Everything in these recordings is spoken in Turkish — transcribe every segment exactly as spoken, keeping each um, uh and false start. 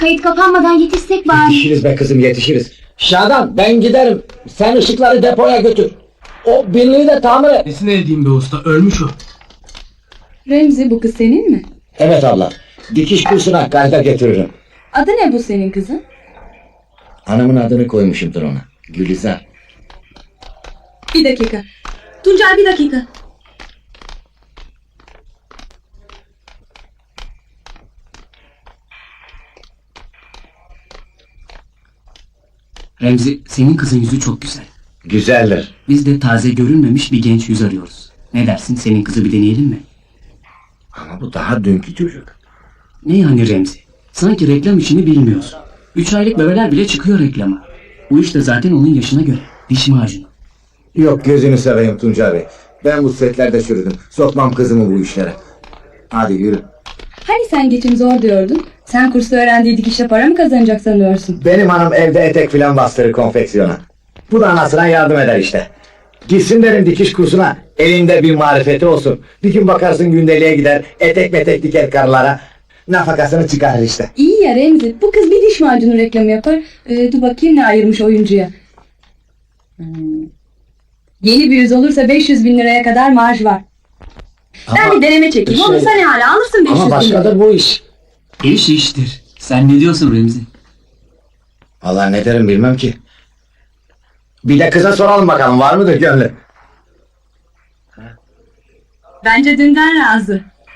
Kayıt kapanmadan yetişsek bari. Yetişiriz be kızım, yetişiriz. Şadan, ben giderim. Sen ışıkları depoya götür. O birliği de tamir et. Nesine edeyim be usta, ölmüş o. Remzi, bu kız senin mi? Evet abla. Dikiş kursuna kayda getiririm. Adı ne bu senin kızın? Hanımın adını koymuşumdur ona. Gülizar. Bir dakika. Tuncay, bir dakika. Remzi, senin kızın yüzü çok güzel. Güzeldir. Biz de taze görünmemiş bir genç yüz arıyoruz. Ne dersin, senin kızı bir deneyelim mi? Ama bu daha dünkü çocuk. Ne yani Remzi? Sanki reklam işini bilmiyorsun. Üç aylık bebeler bile çıkıyor reklama. Bu iş de zaten onun yaşına göre. Diş macunu. Yok, gözünü seveyim Tuncay Bey. Ben bu setlerde çürüdüm. Sokmam kızımı bu işlere. Hadi yürü. Hani sen geçim zor diyordun? Sen kursta öğrendiği dikişle para mı kazanacak sanıyorsun? Benim hanım evde etek filan bastırır konfeksiyona. Bu da anasına yardım eder işte. Gitsin derim dikiş kursuna. Elinde bir marifeti olsun. Bir gün bakarsın gündeliğe gider. Etek metek diker karılara. Nafakasını çıkarır işte. İyi ya Remzi, bu kız bir diş macunu reklamı yapar. Ee, dur bakayım ne ayırmış oyuncuya. Hmm. Yeni bir yüz olursa beş yüz bin liraya kadar marj var. Ben Ama bir deneme çekeyim. şey- Olursa ne hala alırsın beş yüz Ama bin lira. başkadır bu iş. İş iştir. Sen ne diyorsun Remzi? Allah ne derim bilmem ki. Bir de kıza soralım bakalım, var mıdır gönlü? Bence dünden razı.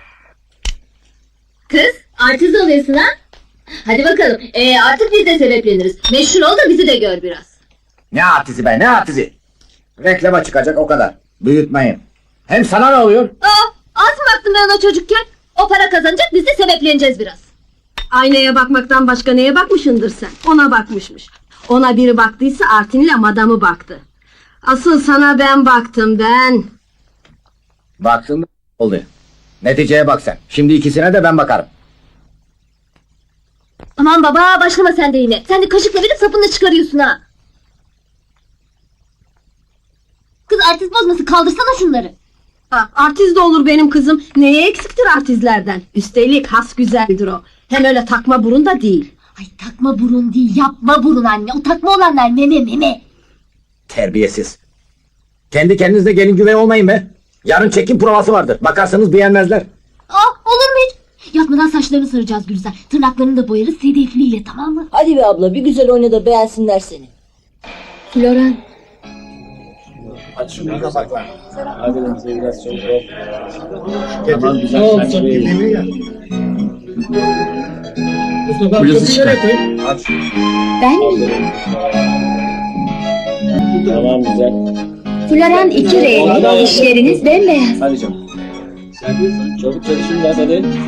Kız, artist oluyorsun ha? Hadi bakalım, ee, artık biz de sebepleniriz. Meşhur ol da bizi de gör biraz. Ne artizi be, ne artizi? Reklama çıkacak o kadar. Büyütmeyin. Hem sana ne oluyor? Aa, az mı baktım ben ona çocukken? O para kazanacak, biz de sebepleneceğiz biraz. Aynaya bakmaktan başka neye bakmışındır sen? Ona bakmışmış. Ona biri baktıysa Artin'le madamı baktı. Asıl sana ben baktım ben. Baktın mı? Oldu. Neticeye bak sen. Şimdi ikisine de ben bakarım. Aman baba, başlama sen de yine. Sen de kaşıkla verip sapını çıkarıyorsun ha. Kız artist bozması, kaldırsana şunları. Ha, artist de olur benim kızım. Neye eksiktir artistlerden? Üstelik has güzeldir o. Hem öyle takma burun da değil. Ay takma burun değil, yapma burun anne. O takma olanlar meme meme. Terbiyesiz. Kendi kendinizde gelin güvey olmayın be. Yarın çekim provası vardır. Bakarsanız beğenmezler. Aa, olur mu hiç? Yatmadan saçlarını saracağız Gülizar. Tırnaklarını da boyarız sedefliyle, tamam mı? Hadi be abla, bir güzel oyna da beğensinler seni. Floran, Aç şunu kapakla. Hadi bize biraz çok yok. Tamam güzel. Bluzu çıkar. Aç. ben mi? Tamam güzel. Floran iki reyli, dişleriniz bembeyaz. Hadi canım. Çabuk çalışın biraz hadi. eritmek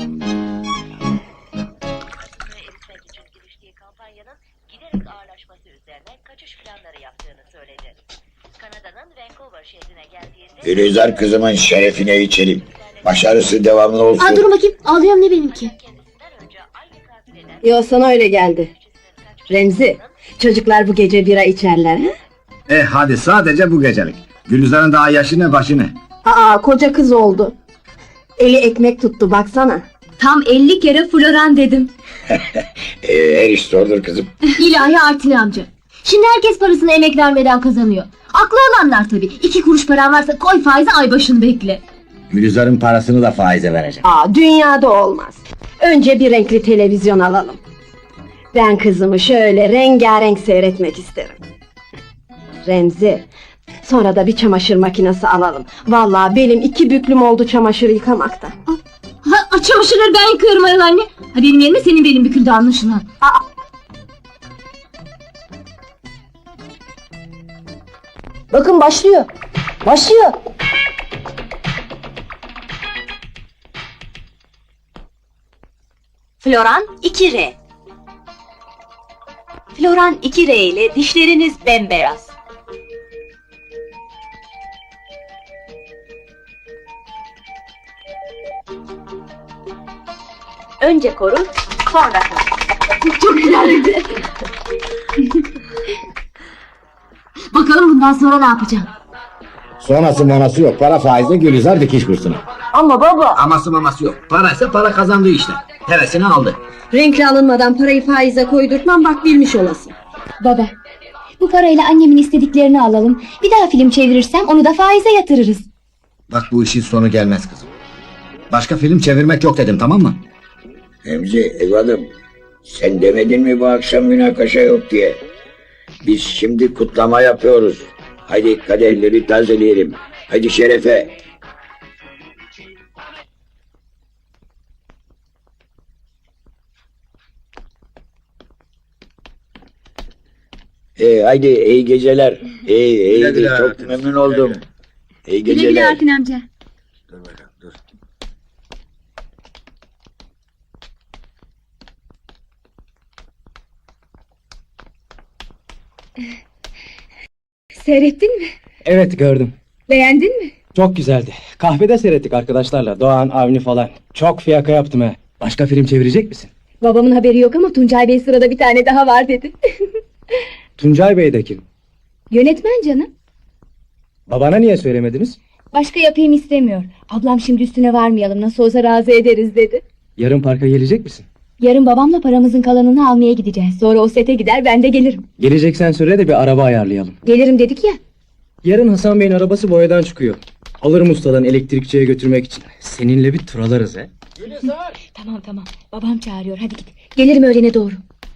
için giriştiği kampanyanın giderek ağırlaşması üzerine kaçış planları yaptığını söyledi. Kanada'nın Vancouver şehrine geldiğinde... Gülizar kızımın şerefine içelim. Başarısı devamlı olsun. Aa, dur bakayım, ağlıyorum ne benimki? Kendisinden önce aynı katil eden... Yo, sana öyle geldi. Remzi, çocuklar bu gece bira içerler ha? Eh hadi, sadece bu gecelik. Gülizar'ın daha yaşı ne başı ne? Aa, koca kız oldu. Eli ekmek tuttu baksana. Tam elli kere Floran dedim. Ee, her iş zordur kızım. İlahi Artin amca. Şimdi herkes parasını emek vermeden kazanıyor. Aklı olanlar tabii. İki kuruş paran varsa koy faize, ay başını bekle. Gülizar'ın parasını da faize vereceğim. Aa, dünyada olmaz. Önce bir renkli televizyon alalım. Ben kızımı şöyle rengarenk seyretmek isterim. Remzi, sonra da bir çamaşır makinesi alalım. Vallahi benim iki büklüm oldu çamaşır yıkamaktan. Ha, çamaşırları ben yıkıyorum ayol anne. Ha, benim yerime senin belin büküldü anlaşılan. Bakın başlıyor. Başlıyor. Floran iki R. Floran iki R ile dişleriniz bembeyaz. Önce koru, sonra koru. Çok güzeldi. Bakalım bundan sonra ne yapacağım? Sonrası manası yok. Para faizle Gülizar dikiş kursuna. Ama baba. Aması maması yok. Paraysa para kazandığı işte. Hevesini aldı. Renkli alınmadan parayı faize koydurtmam, bak bilmiş olasın. Baba, bu parayla annemin istediklerini alalım. Bir daha film çevirirsem onu da faize yatırırız. Bak bu işin sonu gelmez kızım. Başka film çevirmek yok dedim, tamam mı? Remzi evladım, sen demedin mi bu akşam münakaşa yok diye? Biz şimdi kutlama yapıyoruz. Haydi kadehleri tazeleyelim. Haydi şerefe. Ee, haydi iyi geceler. İyi, iyi, Güle güle çok Hakan. memnun oldum. İyi Güle geceler. güle Hakan amca. Dur bakalım, dur. Seyrettin mi? Evet gördüm. Beğendin mi? Çok güzeldi. Kahvede seyrettik arkadaşlarla. Doğan, Avni falan. Çok fiyaka yaptım he. Başka film çevirecek misin? Babamın haberi yok ama Tuncay Bey sırada bir tane daha var dedi. Tuncay Bey de kim? Yönetmen canım. Babana niye söylemediniz? Başka yapayım istemiyor. Ablam şimdi üstüne varmayalım, nasıl olsa razı ederiz dedi. Yarın parka gelecek misin? Yarın babamla paramızın kalanını almaya gideceğiz. Sonra o sete gider, ben de gelirim. Geleceksen söyle de bir araba ayarlayalım. Gelirim dedik ya. Yarın Hasan Bey'in arabası boyadan çıkıyor. Alırım ustadan elektrikçiye götürmek için. Seninle bir tur alırız he. Tamam tamam, babam çağırıyor, hadi git. Gelirim öğlene doğru.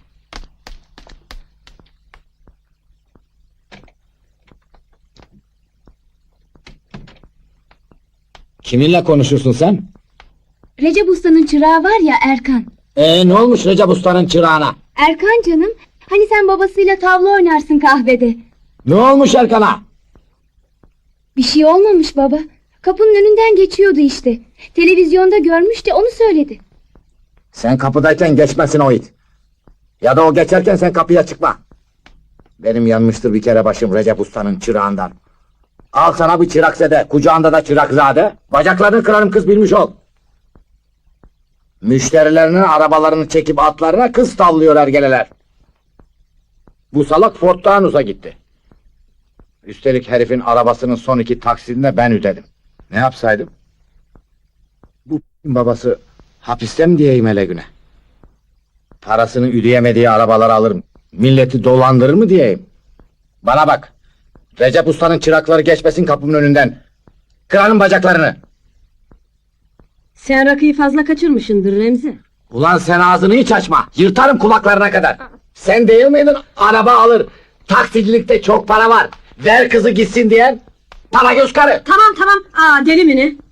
Kiminle konuşursun sen? Recep Usta'nın çırağı var ya, Erkan. Ee ne olmuş Recep Usta'nın çırağına? Erkan canım, hani sen babasıyla tavla oynarsın kahvede. Ne olmuş Erkan'a? Bir şey olmamış baba. Kapının önünden geçiyordu işte. Televizyonda görmüş de onu söyledi. Sen kapıdayken geçmesin o it. Ya da o geçerken sen kapıya çıkma. Benim yanmıştır bir kere başım Recep Usta'nın çırağından. Al sana bir çırakzede, kucağında da çırakzade. Bacaklarını kırarım kız, bilmiş ol. Müşterilerinin arabalarını çekip atlarına kız tavlıyor ergeleler. Bu salak Ford Taunus'a gitti. Üstelik herifin arabasının son iki taksidini de ben ödedim. Ne yapsaydım? Bu babası hapiste mi diyeyim hele güne? Parasını ödeyemediği arabaları alırım. Milleti dolandırır mı diyeyim? Bana bak. Recep Usta'nın çırakları geçmesin kapımın önünden. Kırarım bacaklarını. Sen rakıyı fazla kaçırmışsındır Remzi. Ulan sen ağzını hiç açma. Yırtarım kulaklarına kadar. Sen değil miydin araba alır, taksicilikte çok para var, ver kızı gitsin diyen? Para göz karı. Tamam tamam, aa deli mi ne?